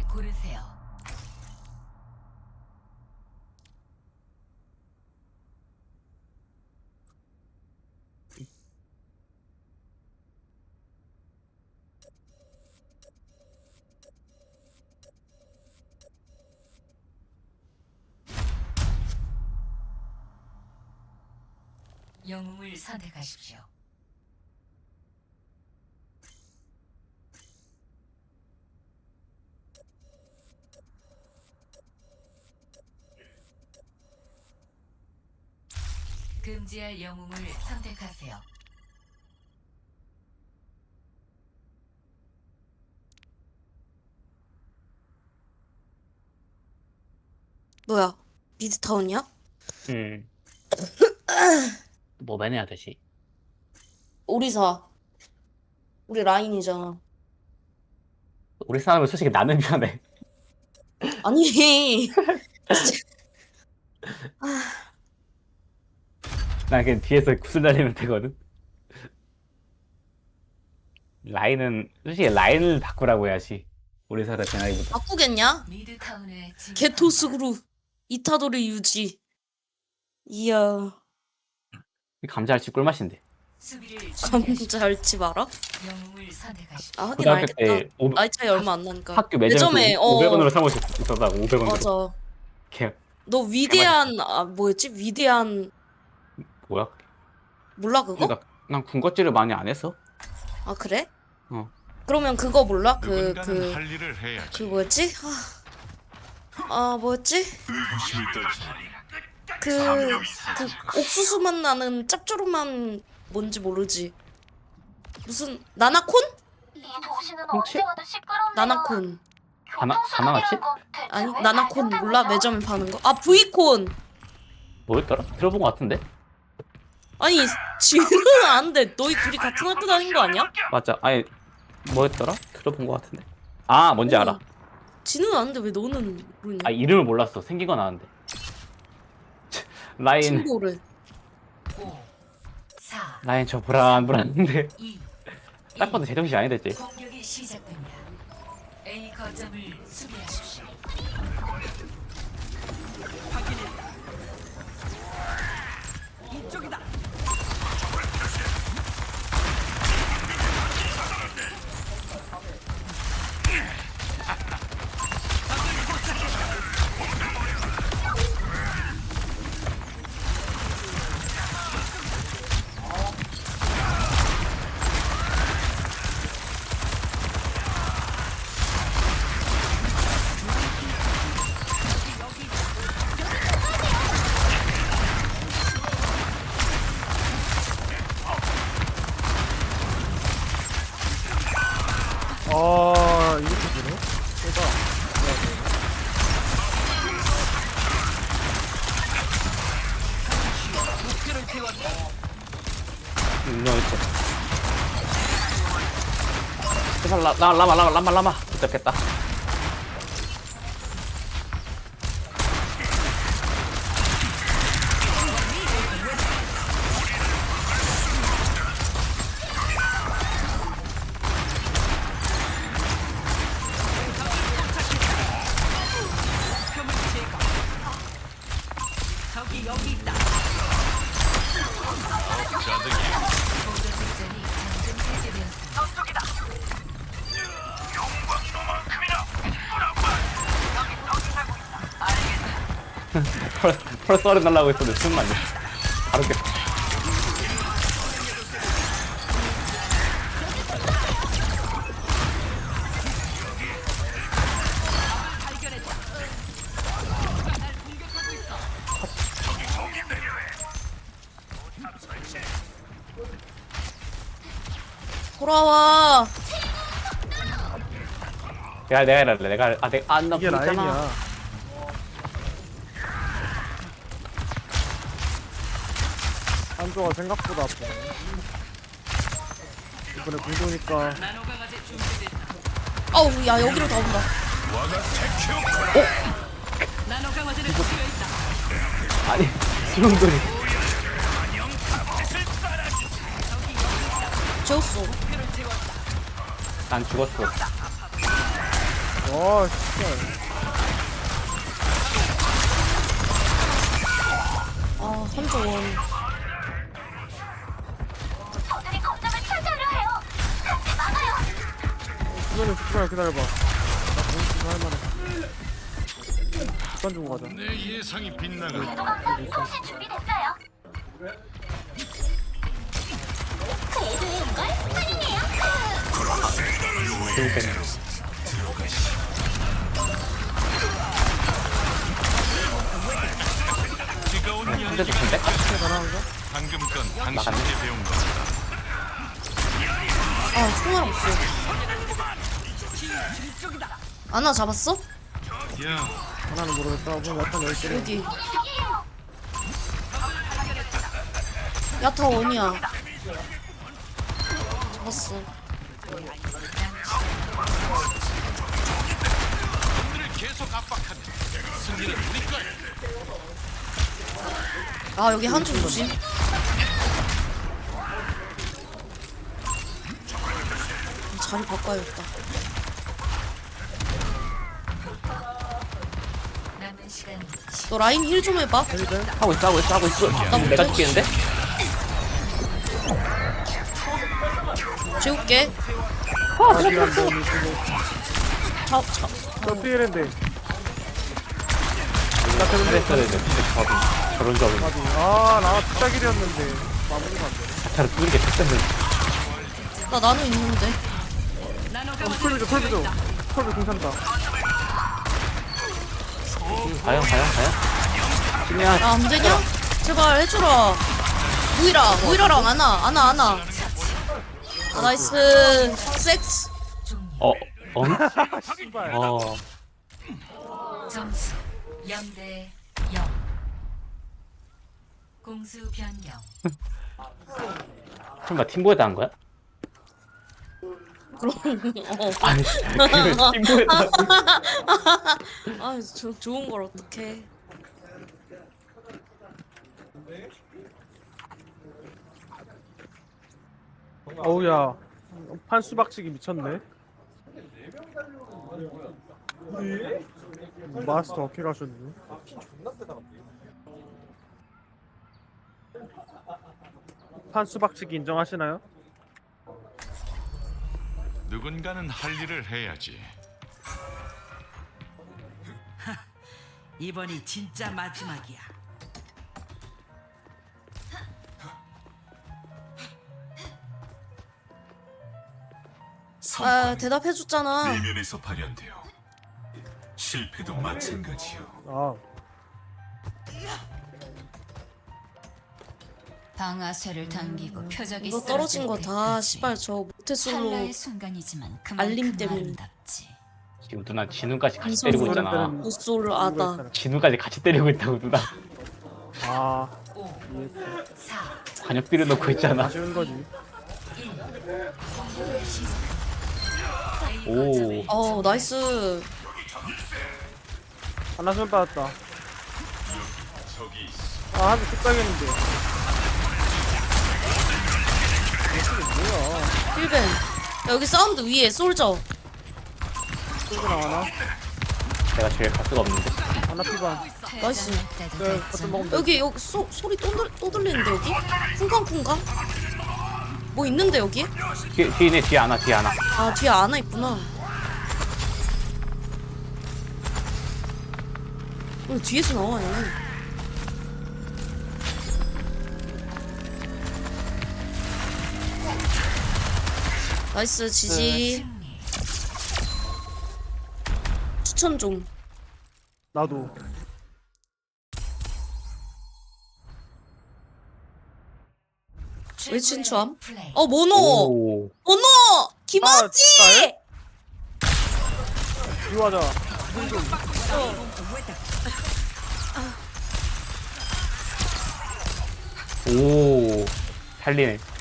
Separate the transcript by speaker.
Speaker 1: 고르세요. 영웅을 선택하십시오. 금지할 영웅을 선택하세요.
Speaker 2: 뭐야? 미드타운이야?
Speaker 3: 음. 뭐 매내야 되지?
Speaker 2: 오리사. 우리 라인이잖아.
Speaker 3: 우리 싸움은 솔직히 나는 편해.
Speaker 2: 아니.
Speaker 3: 난 그냥 뒤에서 구슬 날리면 되거든. 라인은 솔직히 라인을 바꾸라고 해야지. 우리 사라 제나이보다.
Speaker 2: 바꾸겠냐?
Speaker 1: 미드타운에
Speaker 2: 개토스그루 이타도를 유지. 이야.
Speaker 3: 감자알치 꿀맛인데.
Speaker 1: 수비를 준비하십시오.
Speaker 2: 감자 알지 마라?
Speaker 1: 영웅을 선택하십시오.
Speaker 2: 아 하긴
Speaker 3: 고등학교
Speaker 2: 알겠다.
Speaker 3: 때
Speaker 2: 나이 차이 얼마 안 나니까.
Speaker 3: 학교 매점에서
Speaker 2: 매점에
Speaker 3: 500원으로 사 먹을 수 있었다고. 500원으로.
Speaker 2: 맞아.
Speaker 3: 걔
Speaker 2: 너 위대한 뭐였지? 위대한
Speaker 3: 뭐야?
Speaker 2: 몰라 그거?
Speaker 3: 난 군것질을 많이 안 했어.
Speaker 2: 아 그래?
Speaker 3: 어.
Speaker 2: 그러면 그거 몰라? 그
Speaker 4: 누군가는 할 일을 해야지.
Speaker 2: 뭐였지? 뭐였지? 그 옥수수 맛 나는 짭조름한 뭔지 모르지. 무슨 나나콘?
Speaker 5: 이 도시는
Speaker 3: 콩치?
Speaker 5: 언제 와도 시끄러운데요.
Speaker 2: 나나콘.
Speaker 3: 바나나치?
Speaker 2: 아니 나나콘 몰라? 매점에 파는 거. 아 브이콘.
Speaker 3: 뭐였더라? 들어본 것 같은데?
Speaker 2: 아니 지는 안 돼. 너희 둘이 같은 학교 다닌 거 아니야?
Speaker 3: 맞아. 아니 뭐였더라? 들어본 것 같은데. 아 뭔지 알아.
Speaker 2: 지는 아는데 왜 너는 모르냐?
Speaker 3: 아 이름을 몰랐어. 생긴 건 아는데. 라인
Speaker 2: 친구를.
Speaker 1: 5, 4,
Speaker 3: 라인 저 불안한데
Speaker 1: 2,
Speaker 3: 딱 봐도 제정신이 아니랬지.
Speaker 1: 공격이 시작됩니다. A 거점을 수비하십시오.
Speaker 6: 이렇게 되네? 세다.
Speaker 3: 유명했지. 제발 라마 붙잡겠다.
Speaker 1: 공격 작전이 잠금 해제되었습니다.
Speaker 3: 펄 썰어 달라고 했었는데 숨만 내. 바로 깼어.
Speaker 2: 돌아와.
Speaker 3: 내가 해랄래. 나
Speaker 6: 이게
Speaker 3: 있잖아.
Speaker 6: 라인이야. 한조가 생각보다 아프네. 이번에 공도니까
Speaker 2: 아우 야 여기로 다 온다.
Speaker 3: 아니 수렁돌이.
Speaker 2: 재웠어.
Speaker 3: 난 죽었어.
Speaker 6: 와 진짜.
Speaker 2: 아 한조원.
Speaker 5: 저들이 거점을 차지하려 해요. 같이 막아요.
Speaker 6: 이거는 잠깐만 기다려봐. 나 공수 할 만해. 시간 주고 가자.
Speaker 4: 내 예상이 빗나가
Speaker 5: 궤도강타 통신 준비됐어요. 궤도에 온걸 환영해요.
Speaker 3: 재밌겠네.
Speaker 4: 뜨거운
Speaker 3: 근데
Speaker 4: 연기가
Speaker 3: 좋은데?
Speaker 4: 방금 건 당신에게 배운 거다.
Speaker 2: 아 총알 없어. 아나 잡았어?
Speaker 4: 야,
Speaker 6: 하나는 모르겠다. 오늘 약간 10개.
Speaker 2: 여기. 야타 원이야. 잡았어.
Speaker 4: 놈들을 계속 압박하면 승리는 우리 거야.
Speaker 2: 아 여기 한쪽 조심. 자리 바꿔야겠다.
Speaker 1: 남은 시간
Speaker 2: 너 라인 힐 좀 해봐.
Speaker 3: 하고 있어. 내가 죽겠는데?
Speaker 2: 재울게.
Speaker 6: 아 미안 너무
Speaker 2: 자.
Speaker 6: 저 피해랜데.
Speaker 3: 그랬어야 돼. 저런 점을
Speaker 6: 아나 투자길이었는데 마무리가 안 돼.
Speaker 3: 자타를 뚫는 게 됐었는데.
Speaker 2: 나 나노 있는데.
Speaker 6: 털비죠. 털비 괜찮다.
Speaker 3: 과연. 그냥
Speaker 2: 야 안되냐? 제발 해줘라. 모이라랑 아나. 아 나이스. 섹스.
Speaker 1: 종료.
Speaker 6: 씨발.
Speaker 1: 점수 0대 0. 공수 변경.
Speaker 3: 설마 팀보에다 한 거야?
Speaker 2: 그럼
Speaker 3: 아니 팀보에다 한 거야?
Speaker 2: 아 좋은 걸 어떡해.
Speaker 6: 어우야 판수박치기 미쳤네. 마스터 어떻게 가셨니? 판수박치기 인정하시나요?
Speaker 4: 누군가는 할 일을 해야지.
Speaker 7: 이번이 진짜 마지막이야.
Speaker 2: 아 대답해줬잖아.
Speaker 8: 내면에서 발현되어 실패도 마찬가지요.
Speaker 6: 아
Speaker 1: 방아쇠를 당기고 표적이
Speaker 2: 이거 떨어진 거 다 씨발 저 모태솔로
Speaker 1: 찰나의 순간이지만
Speaker 2: 알림
Speaker 1: 그만큼
Speaker 2: 때문에.
Speaker 1: 아름답지.
Speaker 3: 지금 누나 진우까지 같이 때리고 있잖아.
Speaker 2: 모솔 아다.
Speaker 3: 진우까지 같이 때리고 있다고 누나.
Speaker 6: 아
Speaker 1: 5, 4,
Speaker 3: 관역 때려놓고 있잖아.
Speaker 6: 아쉬운 거지.
Speaker 1: 1. 공격을 시작합니다. A
Speaker 3: 오.
Speaker 1: 거점을
Speaker 2: 어 나이스.
Speaker 6: 하나 손 빠졌다. 아 한대 뚝딱했는데.
Speaker 2: 힐벤. 야, 여기 사운드 위에 솔저.
Speaker 6: 쏘고 나가나?
Speaker 3: 내가 제일 갈 수가 없는데.
Speaker 6: 하나 피반.
Speaker 2: 나이스.
Speaker 6: 네 버튼 먹으면 돼.
Speaker 2: 여기 소리 또 들리는데 여기? 쿵쾅쿵쾅? 뭐 있는데 여기?
Speaker 3: 뒤에 뒤에 안 와.
Speaker 2: 아 뒤에 아나 있구나. 뒤에서 나와 얘는. 나이스 지지.
Speaker 1: 승리.
Speaker 2: 추천 좀.
Speaker 6: 나도.
Speaker 2: 왜 친추함?
Speaker 1: 플레이.
Speaker 2: 어 모노.
Speaker 3: 오.
Speaker 2: 모노. 김아지.
Speaker 6: 비유하자.
Speaker 3: 오. 살리네.